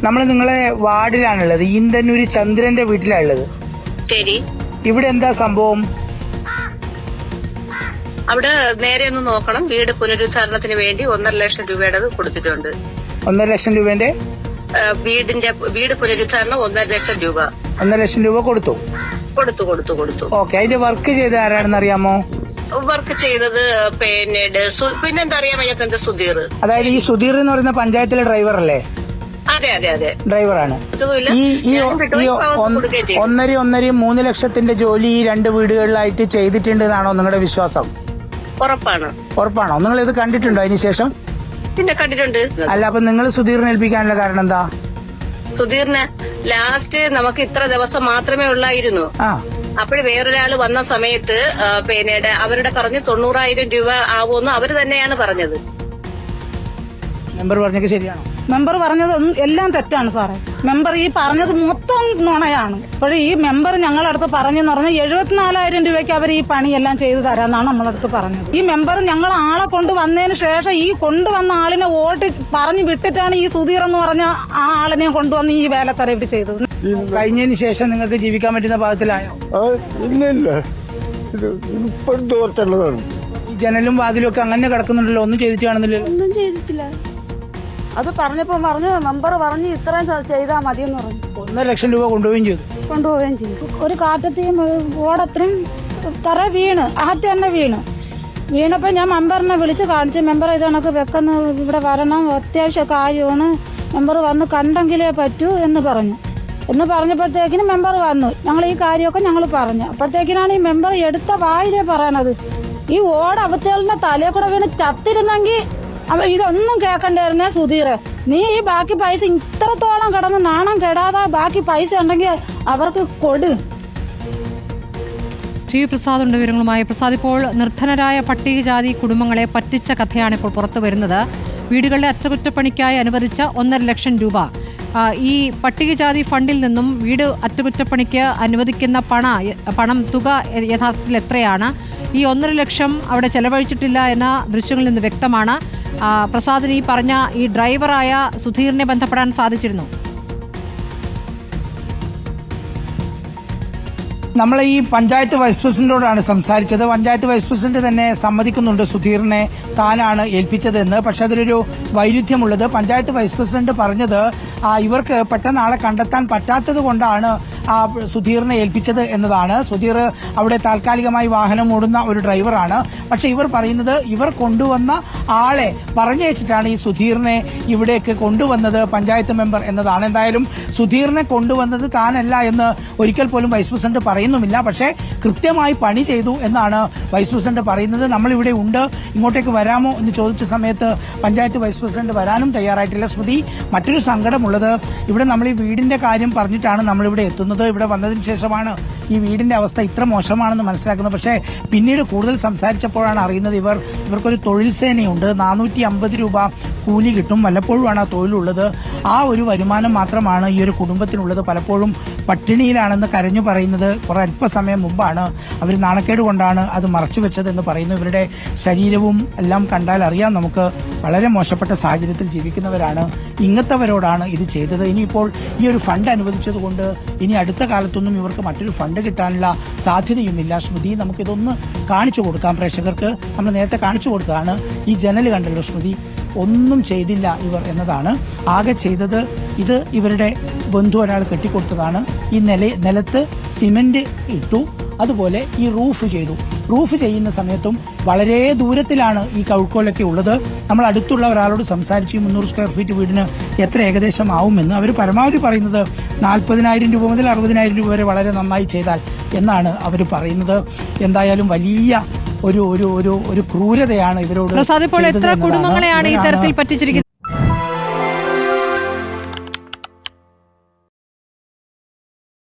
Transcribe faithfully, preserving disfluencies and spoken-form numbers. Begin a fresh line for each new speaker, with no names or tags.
നമ്മൾ നിങ്ങളെ വാർഡിലാണുള്ളത്, ഈന്തന്നൂര് ചന്ദ്രന്റെ വീട്ടിലാണുള്ളത്.
ശരി.
ഇവിടെ എന്താ സംഭവം?
അവിടെ നേരെ ഒന്ന് നോക്കണം. വീട് പുനരുദ്ധാരണത്തിന് വേണ്ടി ഒന്നര ലക്ഷം രൂപയുടെ കൊടുത്തിട്ടുണ്ട്.
ഒന്നര ലക്ഷം രൂപന്റെ
വീടിന്റെ വീട് പുനരുദ്ധാരണം ഒന്നര ലക്ഷം രൂപ
ഒന്നര ലക്ഷം രൂപ കൊടുത്തു
കൊടുത്തു കൊടുത്തു കൊടുത്തു
ഓക്കെ. അതിന്റെ വർക്ക് ചെയ്ത ആരാണെന്ന് അറിയാമോ?
വർക്ക് ചെയ്തത് പിന്നീട് പിന്നെന്താ അറിയാൻ വയ്യാത്ത സുധീർ.
അതായത് ഈ സുധീർ എന്ന് പറയുന്ന പഞ്ചായത്തിലെ ഡ്രൈവർ അല്ലേ?
അതെ അതെ അതെ
ഡ്രൈവറാണ്. ഈ ഈ ഒന്നര ഒന്നര മൂന്ന് ലക്ഷത്തിന്റെ ജോലി ഈ രണ്ട് വീടുകളിലായിട്ട് ചെയ്തിട്ടുണ്ട് എന്നാണോ നിങ്ങളുടെ വിശ്വാസം?
ഉറപ്പാണ്.
ഉറപ്പാണോ? നിങ്ങൾ ഇത് കണ്ടിട്ടുണ്ടോ അതിനുശേഷം?
പിന്നെ കണ്ടിട്ടുണ്ട്.
അല്ല, അപ്പൊ നിങ്ങൾ സുധീറിനെ ഏൽപ്പിക്കാനുള്ള കാരണം എന്താ?
സുധീറിന് ലാസ്റ്റ് നമുക്ക് ഇത്ര ദിവസം മാത്രമേ ഉള്ളായിരുന്നു.
ആ
അപ്പോൾ വേറൊരാള് വന്ന സമയത്ത് പിന്നീട് അവരുടെ പറഞ്ഞ് തൊണ്ണൂറായിരം രൂപ ആവുമെന്ന് അവര് തന്നെയാണ് പറഞ്ഞത്.
മെമ്പർ പറഞ്ഞത് ശരിയാണോ?
മെമ്പർ പറഞ്ഞത് എല്ലാം തെറ്റാണ് സാറേ. മെമ്പർ ഈ പറഞ്ഞത് മൊത്തം നുണയാണ്. അപ്പോൾ ഈ മെമ്പർ ഞങ്ങളടുത്ത് പറഞ്ഞെന്ന് പറഞ്ഞാൽ എഴുപത്തിനാലായിരം രൂപയ്ക്ക് അവർ ഈ പണിയെല്ലാം ചെയ്തു തരാമെന്നാണ് നമ്മളടുത്ത് പറഞ്ഞത്. ഈ മെമ്പർ ഞങ്ങൾ ആളെ കൊണ്ടുവന്നതിന് ശേഷം ഈ കൊണ്ടുവന്ന ആളിനെ വോട്ട് പറഞ്ഞു വിട്ടിട്ടാണ് ഈ സുധീർ എന്ന് പറഞ്ഞ ആ ആളിനെ കൊണ്ടുവന്ന് ഈ വേലത്തറ ഇവിടെ ചെയ്തത്.
കഴിഞ്ഞതിന് ശേഷം നിങ്ങൾക്ക് ജീവിക്കാൻ പറ്റുന്ന പാകത്തിലായോ?
ഇല്ല ഇല്ല, ഇപ്പോഴും തോർത്തുള്ളതാണ്.
ഈ ജനലും വാതിലും ഒക്കെ അങ്ങനെ കിടക്കുന്നുണ്ടല്ലോ, ഒന്നും ചെയ്തിട്ട് കാണുന്നില്ലല്ലോ.
ഒന്നും ചെയ്തിട്ടില്ല. അത് പറഞ്ഞപ്പോ പറഞ്ഞു മെമ്പർ പറഞ്ഞു ഇത്രയും ചെയ്താൽ മതിയെന്ന് പറഞ്ഞു.
ഒന്നര ലക്ഷം രൂപ കൊണ്ടുപോവുകയും ചെയ്തു.
കൊണ്ടുപോവുകയും ചെയ്തു. ഒരു കാറ്റത്തെയും ഓടത്രയും തറ വീണ് ആദ്യം തന്നെ വീണ് വീണപ്പോ ഞാൻ മെമ്പറിനെ വിളിച്ച് കാണിച്ചു. മെമ്പർ ഇത് കണക്ക് വെക്കുന്ന ഇവിടെ വരണം, അത്യാവശ്യ കാര്യമാണ്, മെമ്പർ വന്ന് കണ്ടെങ്കിലേ പറ്റൂ എന്ന് പറഞ്ഞു. എന്ന് പറഞ്ഞപ്പോഴത്തേക്കിനും മെമ്പർ വന്നു. ഞങ്ങൾ ഈ കാര്യമൊക്കെ ഞങ്ങൾ പറഞ്ഞു. അപ്പോഴത്തേക്കിനാണ് ഈ മെമ്പർ എടുത്ത വായിലേ പറയണത്, ഈ ഓട അവത്തേളിന്റെ തലയെ കൂടെ വീണ് ചത്തിരുന്നെങ്കിൽ അവ ഇതൊന്നും കേൾക്കണ്ടായിരുന്നേ സുധീർ. നീ ഈ ബാക്കി പൈസ ഇത്രത്തോളം കിടന്ന് നാണം കെടാതെ ബാക്കി പൈസ ഉണ്ടെങ്കിൽ അവർക്ക് കൊടു.
ടി വി പ്രസാദ് ഉണ്ട് വിവരങ്ങളുമായി. പ്രസാദ്, ഇപ്പോൾ നിർധനരായ പട്ടികജാതി കുടുംബങ്ങളെ പറ്റിച്ച കഥയാണ് ഇപ്പോൾ പുറത്തു വരുന്നത്. വീടുകളിലെ അറ്റകുറ്റപ്പണിക്കായി അനുവദിച്ച ഒന്നര ലക്ഷം രൂപ ഈ പട്ടികജാതി ഫണ്ടിൽ നിന്നും വീട് അറ്റകുറ്റപ്പണിക്ക് അനുവദിക്കുന്ന പണ പണം തുക യഥാർത്ഥത്തിൽ എത്രയാണ്? ഈ ഒന്നര ലക്ഷം അവിടെ ചെലവഴിച്ചിട്ടില്ല എന്ന ദൃശ്യങ്ങളിൽ നിന്ന് വ്യക്തമാണ്. പ്രസാദിന് ഈ പറഞ്ഞ ഈ ഡ്രൈവറായ സുധീറിനെ ബന്ധപ്പെടാൻ സാധിച്ചിരുന്നു?
നമ്മൾ ഈ പഞ്ചായത്ത് വൈസ് പ്രസിഡന്റോടാണ് സംസാരിച്ചത്. പഞ്ചായത്ത് വൈസ് പ്രസിഡന്റ് തന്നെ സമ്മതിക്കുന്നുണ്ട് സുധീറിനെ താനാണ് ഏൽപ്പിച്ചതെന്ന്. പക്ഷെ അതിലൊരു വൈരുദ്ധ്യമുള്ളത്, പഞ്ചായത്ത് വൈസ് പ്രസിഡന്റ് പറഞ്ഞത് ഇവർക്ക് പെട്ടെന്ന് ആളെ കണ്ടെത്താൻ പറ്റാത്തത് കൊണ്ടാണ് ആ സുധീറിനെ ഏൽപ്പിച്ചത് എന്നതാണ്. സുധീർ അവിടെ താൽക്കാലികമായി വാഹനം ഓടുന്ന ഒരു ഡ്രൈവറാണ്. പക്ഷെ ഇവർ പറയുന്നത് ഇവർ കൊണ്ടുവന്ന ആളെ പറഞ്ഞയച്ചിട്ടാണ് ഈ സുധീറിനെ ഇവിടേക്ക് കൊണ്ടുവന്നത് പഞ്ചായത്ത് മെമ്പർ എന്നതാണ്. എന്തായാലും സുധീറിനെ കൊണ്ടുവന്നത് താനല്ല എന്ന് ഒരിക്കൽ പോലും വൈസ് പ്രസിഡന്റ് പറയുന്നുമില്ല. പക്ഷേ കൃത്യമായി പണി ചെയ്തു എന്നാണ് വൈസ് പ്രസിഡന്റ് പറയുന്നത്. നമ്മളിവിടെ ഉണ്ട്, ഇങ്ങോട്ടേക്ക് വരാമോ എന്ന് ചോദിച്ച സമയത്ത് പഞ്ചായത്ത് വൈസ് പ്രസിഡന്റ് വരാനും തയ്യാറായിട്ടില്ല. സ്മൃതി, മറ്റൊരു സങ്കടമുള്ളത്, ഇവിടെ നമ്മൾ ഈ വീടിന്റെ കാര്യം പറഞ്ഞിട്ടാണ് നമ്മളിവിടെ എത്തുന്നത്. ഇവിടെ വന്നതിന് ശേഷമാണ് ഈ വീടിന്റെ അവസ്ഥ ഇത്ര മോശമാണെന്ന് മനസ്സിലാക്കുന്നത്. പക്ഷേ പിന്നീട് കൂടുതൽ സംസാരിച്ചപ്പോഴാണ് അറിയുന്നത് ഇവർ ഇവർക്കൊരു തൊഴിൽ സേനയുണ്ട്. നാനൂറ്റി അമ്പത് രൂപ കൂലി കിട്ടും. വല്ലപ്പോഴുമാണ് ആ തൊഴിലുള്ളത്. ആ ഒരു വരുമാനം മാത്രമാണ് ഈ ഒരു കുടുംബത്തിനുള്ളത്. പലപ്പോഴും പട്ടിണിയിലാണെന്ന് കരഞ്ഞു പറയുന്നത് കുറെ അല്പസമയം മുമ്പാണ്. അവർ നാണക്കേട് കൊണ്ടാണ് അത് മറച്ചു വെച്ചത് എന്ന് പറയുന്നു. ഇവരുടെ ശരീരവും എല്ലാം കണ്ടാൽ അറിയാം നമുക്ക് വളരെ മോശപ്പെട്ട സാഹചര്യത്തിൽ ജീവിക്കുന്നവരാണ്. ഇങ്ങനത്തവരോടാണ് ഇത് ചെയ്തത്. ഇനിയിപ്പോൾ ഈ ഒരു ഫണ്ട് അനുവദിച്ചതുകൊണ്ട് ഇനി അടുത്ത കാലത്തൊന്നും ഇവർക്ക് മറ്റൊരു ഫണ്ട് കിട്ടാനുള്ള സാധ്യതയുമില്ല. സ്മൃതി, നമുക്കിതൊന്ന് കാണിച്ചു കൊടുക്കാം പ്രേക്ഷകർക്ക്. നമ്മൾ നേരത്തെ കാണിച്ചു കൊടുത്തതാണ്. ഈ ജനൽ കണ്ടല്ലോ സ്മൃതി, ഒന്നും ചെയ്തില്ല ഇവർ എന്നതാണ്. ആകെ ചെയ്തത് ഇത് ഇവരുടെ ബന്ധു ഒരാൾ കെട്ടിക്കൊടുത്തതാണ്. ഈ നില നിലത്ത് സിമന്റ് ഇട്ടു, അതുപോലെ ഈ റൂഫ് ചെയ്തു. റൂഫ് ചെയ്യുന്ന സമയത്തും വളരെ ദൂരത്തിലാണ് ഈ കൗക്കോലൊക്കെ ഉള്ളത്. നമ്മൾ അടുത്തുള്ള ഒരാളോട് സംസാരിച്ചു മുന്നൂറ് സ്ക്വയർ ഫീറ്റ് വീടിന് എത്ര ഏകദേശം ആവുമെന്ന്. അവർ പരമാവധി പറയുന്നത് നാൽപ്പതിനായിരം രൂപ മുതൽ അറുപതിനായിരം രൂപ വരെ വളരെ നന്നായി ചെയ്താൽ എന്നാണ് അവർ പറയുന്നത്. എന്തായാലും വലിയ ഒരു ഒരു ഒരു ഒരു ക്രൂരതയാണ് ഇവരോട്.
പ്രസാദ്, ഇപ്പോൾ എത്ര കുടുംബങ്ങളെയാണ് ഈ തരത്തിൽ പറ്റിച്ചിരിക്കുന്നത്?